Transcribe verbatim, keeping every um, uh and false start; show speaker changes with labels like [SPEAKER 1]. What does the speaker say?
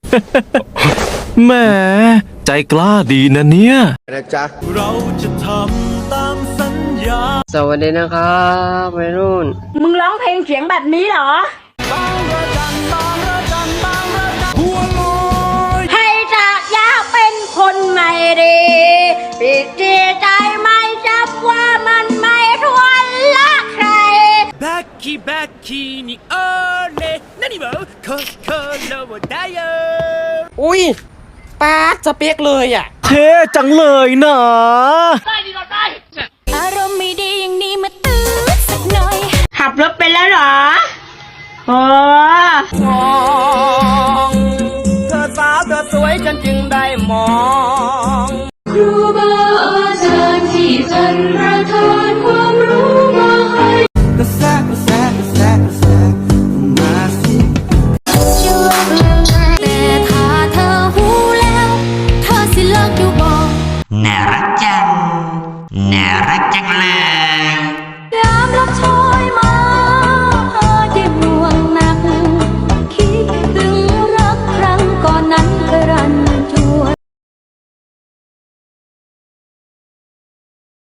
[SPEAKER 1] แหมใจกล้าดีนะเนี่ย
[SPEAKER 2] นะจ๊ะ
[SPEAKER 3] เราจะทำตามสัญญา
[SPEAKER 4] สวัสดีนะครับวัยรุ่น
[SPEAKER 5] มึงร้องเพลงเสียงแบบนี้เหรอให้จากอยากเป็นคนใหม่ดีปิดจีใจไม่จับว่ามันไม่ทวนละใคร
[SPEAKER 3] バッキバッキにオレ何も心をだよ
[SPEAKER 6] อุ้ยป้าสเปกเลยอ่ะ
[SPEAKER 1] เท่จังเลยนะ
[SPEAKER 7] อารมณ์ไม่ดีอย่างนี้มาตื้อสักหน่อย
[SPEAKER 5] ขับรถไปแล้วเหรอโอ้
[SPEAKER 6] มองเธอสาวเธอสวยฉันจึงได้มอง
[SPEAKER 7] ครูบาอาจารย์ที่ท่านประทานความรู้มาให้
[SPEAKER 3] กระแสกระแสกระแสกระแสมาสิ
[SPEAKER 7] แต่ถ้าเธอหูแล้วเธอสิเลิกอยู่บ่
[SPEAKER 8] น่ารักจังน่ารักจังเลย